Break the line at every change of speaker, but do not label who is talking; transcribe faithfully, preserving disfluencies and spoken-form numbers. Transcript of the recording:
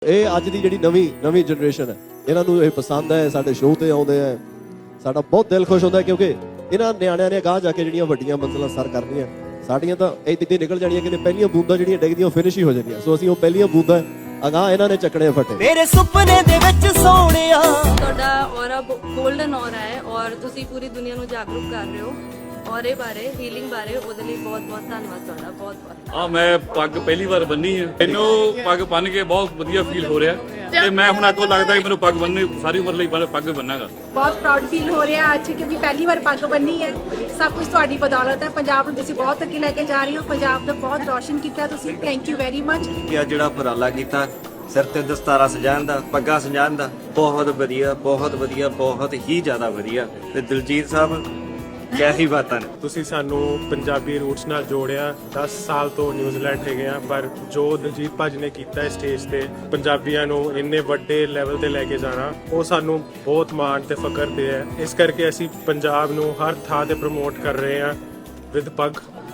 ਇਹ ਅੱਜ ਦੀ ਜਿਹੜੀ ਨਵੀਂ ਨਵੀਂ ਜਨਰੇਸ਼ਨ ਹੈ, ਇਹਨਾਂ ਨੂੰ ਇਹ ਪਸੰਦ ਹੈ, ਸਾਡੇ ਸ਼ੋਅ ਤੇ ਆਉਂਦੇ ਆ, ਸਾਡਾ ਬਹੁਤ ਦਿਲ ਖੁਸ਼ ਹੁੰਦਾ ਕਿਉਂਕਿ ਇਹਨਾਂ ਨਿਆਣਿਆਂ ਨੇ ਅਗਾਂਹ ਜਾ ਕੇ ਜਿਹੜੀਆਂ ਵੱਡੀਆਂ ਮੰਜ਼ਿਲਾਂ ਸਰ ਕਰਨੀਆਂ, ਸਾਡੀਆਂ ਤਾਂ ਇੱਥੇ ਨਿਕਲ ਜਾਣੀਆਂ ਕਿ ਪਹਿਲੀਆਂ ਬੂੰਦਾਂ ਜਿਹੜੀਆਂ ਡਿੱਗਦੀਆਂ ਉਹ ਫਿਨਿਸ਼ ਹੀ ਹੋ ਜਾਂਦੀਆਂ। ਸੋ ਅਸੀਂ ਉਹ ਪਹਿਲੀਆਂ ਬੂੰਦਾਂ ਅਗਾਂਹ ਇਹਨਾਂ ਨੇ ਚੱਕਣੇ ਫਟੇ।
ਮੇਰੇ ਸੁਪਨੇ ਦੇ ਵਿੱਚ ਸੋਹਣਿਆ
ਤੁਹਾਡਾ ਔਰਾ ਗੋਲਡਨ ਔਰਾ ਹੈ ਔਰ ਤੁਸੀਂ ਪੂਰੀ ਦੁਨੀਆ ਨੂੰ ਜਾਗਰੂਕ ਕਰ ਰਹੇ ਹੋ ਔਰੇ ਬਾਰੇ, ਹੀਲਿੰਗ ਬਾਰੇ। ਉਹਦੇ ਲਈ ਬਹੁਤ ਬਹੁਤ ਧੰਨਵਾਦ ਤੁਹਾਡਾ, ਬਹੁਤ ਬਹੁਤ।
ਆ ਮੈਂ ਪੱਗ ਪਹਿਲੀ ਵਾਰ ਬੰਨੀ ਹੈ, ਮੈਨੂੰ ਪੱਗ ਬੰਨ ਕੇ ਬਹੁਤ ਵਧੀਆ ਫੀਲ ਹੋ ਰਿਹਾ ਤੇ ਮੈਂ ਹੁਣ ਅੱਗੋਂ ਲੱਗਦਾ ਕਿ ਮੈਨੂੰ ਪੱਗ ਬੰਨਣੀ ਸਾਰੀ ਉਮਰ ਲਈ ਪੱਗ ਬੰਨਾਂਗਾ।
ਬਹੁਤ ਪ੍ਰਾਊਡ ਫੀਲ ਹੋ ਰਿਹਾ ਅੱਜ ਕਿਉਂਕਿ ਪਹਿਲੀ ਵਾਰ ਪੱਗ ਬੰਨੀ ਹੈ। ਸਭ ਕੁਝ ਤੁਹਾਡੀ ਬਦੌਲਤ ਹੈ। ਪੰਜਾਬ ਨੂੰ ਤੁਸੀਂ ਬਹੁਤ ਅੱਗੇ ਲੈ ਕੇ ਜਾ ਰਹੇ ਹੋ, ਪੰਜਾਬ ਦਾ ਬਹੁਤ ਰੌਸ਼ਨ ਕੀਤਾ ਤੁਸੀਂ। Thank you very much.
ਇਹ ਜਿਹੜਾ ਉਪਰਾਲਾ ਕੀਤਾ ਸਿਰ ਤੇ ਦਸਤਾਰਾ ਸਜਾਉਣ ਦਾ, ਪੱਗਾਂ ਸਜਾਉਣ ਦਾ, ਬਹੁਤ ਵਧੀਆ ਬਹੁਤ ਵਧੀਆ ਬਹੁਤ ਹੀ ਜ਼ਿਆਦਾ ਵਧੀਆ। ਤੇ ਦਿਲਜੀਤ ਸਾਹਿਬ ਕਿਆ ਹੀ ਬਾਤਾਂ ਨੇ।
ਤੁਸੀਂ ਸਾਨੂੰ ਪੰਜਾਬੀ ਰੂਟਸ ਨਾਲ ਜੋੜਿਆ। ਦਸ ਸਾਲ ਤੋਂ ਨਿਊਜ਼ੀਲੈਂਡ ਹੈਗੇ ਆ, ਪਰ ਜੋ ਦਿਲਜੀਤ ਭਾਜੀ ਨੇ ਕੀਤਾ ਸਟੇਜ ਤੇ ਪੰਜਾਬੀਆਂ ਨੂੰ ਇੰਨੇ ਵੱਡੇ ਲੈਵਲ ਤੇ ਲੈ ਕੇ ਜਾਣਾ, ਉਹ ਸਾਨੂੰ ਬਹੁਤ ਮਾਣ ਤੇ ਫਖਰ ਤੇ ਹੈ। ਇਸ ਕਰਕੇ ਅਸੀਂ ਪੰਜਾਬ ਨੂੰ ਹਰ ਥਾਂ ਤੇ ਪ੍ਰਮੋਟ ਕਰ ਰਹੇ ਹਾਂ ਵਿਦ ਪੱਗ।